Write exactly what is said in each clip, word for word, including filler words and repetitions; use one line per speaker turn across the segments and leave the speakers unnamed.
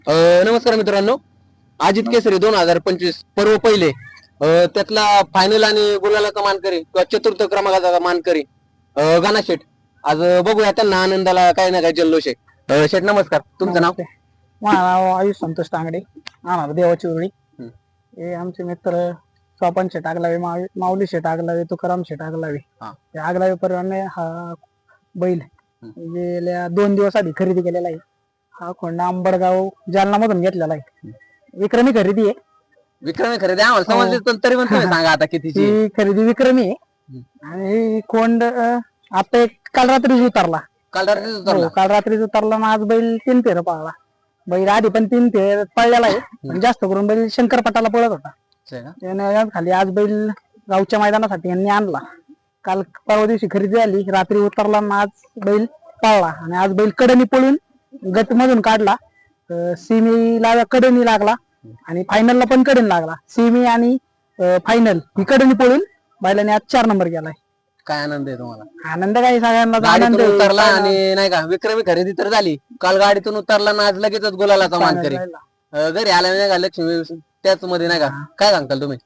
अ, नमस्कार मित्रांनो. अजित केसरी दोन हजार पंचवीस पर्व पहिले अ, त्यातला फायनल आणि गुलालाचा मानकरी किंवा चतुर्थ क्रमांकाचा मानकरी अ, गाणा शेठ. आज अ, बघूया त्यांना आनंदाला काही ना काही जल्लोष आहे. अ, शेठ नमस्कार, तुमचं नाव?
नमस्ते. माझं नाव आयुष संतोष तांगडे, राहणार देवाची उरळी.
हं.
हे आमचे मित्र स्वपन शेट आगलावे, माव- माऊली शेट आगलावे, तुकाराम शेट आगलावे.
हा.
ते आगलावे परिवाराने हा बैल
हं.
गेल्या दोन दिवस आधी खरेदी केलेला आहे. हा खोंडा अंबडगाव जालना मधून घेतलेला आहे. विक्रमी खरेदी आहे.
विक्रमी खरेदी आम्हाला
हो.
समजली, पण तरी पण तुम्ही सांगा आता कितीची आहे?
ही खरेदी विक्रमी आहे.
हं.
आणि ही खोंड अं, आता एक काल रात्रीच उतरला.
काल रात्रीच उतरला.
हो, काल रात्रीच उतरला ना आज बैल तीन फेर पळाला. बैल आधी पण तीन फेर पळलेला आहे, पण जास्त करून बैल शंकरपटाला पळत होता.
असं आहे का?
त्याने खाली आज बैल गावच्या मैदानासाठी यांनी आणला. काल परवा दिवशी खरेदी झाली, रात्री उतरला ना आज बैल पळला. आणि आज बैल कडनी पळून गट मधून काढला. सिमीला कडनी लागला आणि फायनलला पण कडनी लागला. सिमी आणि फायनल ही कडनी पळून बैलाने आज चार नंबर गेलाय.
काय आनंद आहे तुम्हाला?
आनंद काही सगळ्यांना आनंद
गाडीतून
आहे.
उतरला आणि नाही का विक्रमी खरेदी तर झाली. काल गाडीतून उतरला ना आज लगेचच गुलालाचा मानकरी.
Final ला.
अ, घरी आल्या नाही का लक्ष्मी त्याच मध्ये नाही का, काय सांगताल तुम्ही?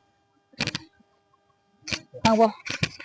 सांग बुवा.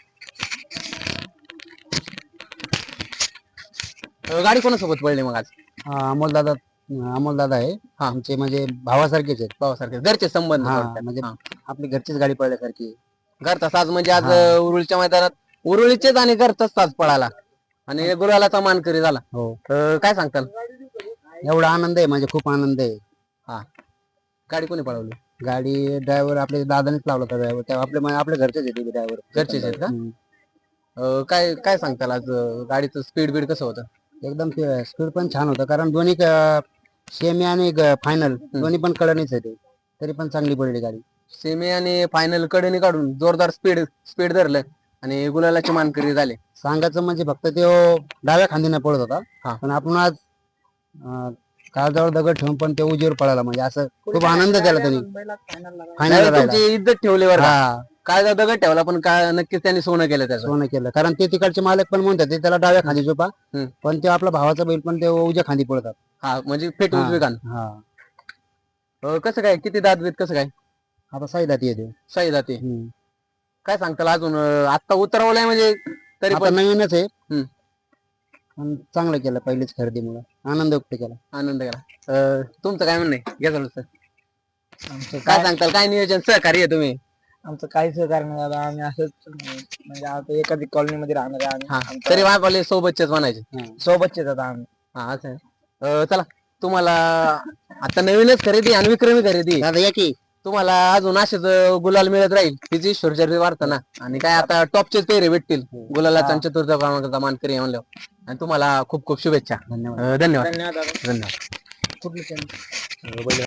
अ, गाडी कोणासोबत पडली मग आज?
अमोल दादा अमोल दादा आहे.
हा.
आमचे म्हणजे भावासारखेच आहेत.
भावासारखे घरचे संबंध
हा,
थोडक्यात.
म्हणजे
हा.
आपली घरचीच गाडी पळल्यासारखी आहे.
घरचा साज म्हणजे आज
हा.
अ, उरुळच्या मैदानात उरुळीचेच आणि घरचाच साज पळाला आणि गुलालाचा मानकरी झाला.
हो,
अ, काय सांगताल?
एवढा आनंद आहे, म्हणजे खूप आनंद आहे.
गाडी कोणी पळवली?
गाडी ड्रायव्हर आपले दादानेच लावला होता. ड्रायव्हर तेव्हा आपले आपले घरचेच येते ड्रायव्हर.
घरचेच आहेत का? अ, काय काय सांगताल आज अ, गाडीचं स्पीड बीड कसं होतं?
एकदम स्पीड पण छान होतं, कारण दोन्ही सेमी आणि फायनल दोन्ही पण कडणीच आहे ते. तरी पण चांगली पडली गाडी.
सेमी आणि फायनल कडेने काढून जोरदार स्पीड स्पीड धरलं आणि गुलालाची मानकरी झाले.
सांगायचं म्हणजे फक्त तो डाव्या खांदीने पळत
हा.
होता, पण आपण आज अं, काळजावर दगड ठेवून पण ते उजेवर पळाला, म्हणजे असं खूप आनंद त्याला त्यांनी
बैलात final ला लागला.
फायनल
त्यावेळी
राहिला.
तुमची इज्जत ठेवली बरं का?
हा,
काय दगड ठेवला पण काय नक्कीच त्यांनी सोनं केलं त्याचं.
सोनं केलं, कारण ते तिकडचे मालक पण म्हणतात ते त्याला डाव्या खांदी झोपा,
हम्म.
पण ते आपला भावाचा बैल पण ते उजव्या खांदी पळतात.
हा, म्हणजे फेट
हा.
उजवी कान.
हा,
अ, कसं काय किती दात बीत कसं काय?
आता साईदाती येते.
सही जाते.
हम्म.
काय सांगताल अजून? अ, आत्ता उतरवलंय म्हणजे तरी
आता
पण
नवीनच आहे,
हम्म.
पण चांगलं केलं पहिलीच खरेदीमुळे, आनंद व्यक्त केला.
आनंद करा. अ, तुमचं काय म्हणणं आहे? घ्या चालू सर.
आमचं
काय
काय
सांगताल? काय नियोजन सहकार्य आहे तुम्ही?
आमचं काही सहकार्य नाही दादा. आम्ही असंच म्हणजे आता एखादी कॉलनी मध्ये राहणार आहे
हा,
आम्ही.
तरी वापरले सोबतचेच म्हणायचे.
हा.
सोबतचे आता आम्ही.
हा, असं आहे. अ, चला तुम्हाला आता नवीनच खरेदी आणि विक्रमी खरेदी.
दादा या की.
तुम्हाला अजून असेच अ, गुलाल मिळत राहील हिची ईश्वरचर्या वार्ता ना. आणि काय आता टॉपचेच पेरे भेटतील गुलालाचा आणि चतुर्थ क्रमांकाचा मानकरी आहे म्हणल्यावर. आणि तुम्हाला खूप खूप शुभेच्छा.
धन्यवाद.
अ, धन्यवाद
धन्यवाद दादा.
धन्यवाद.
कुठलं channel?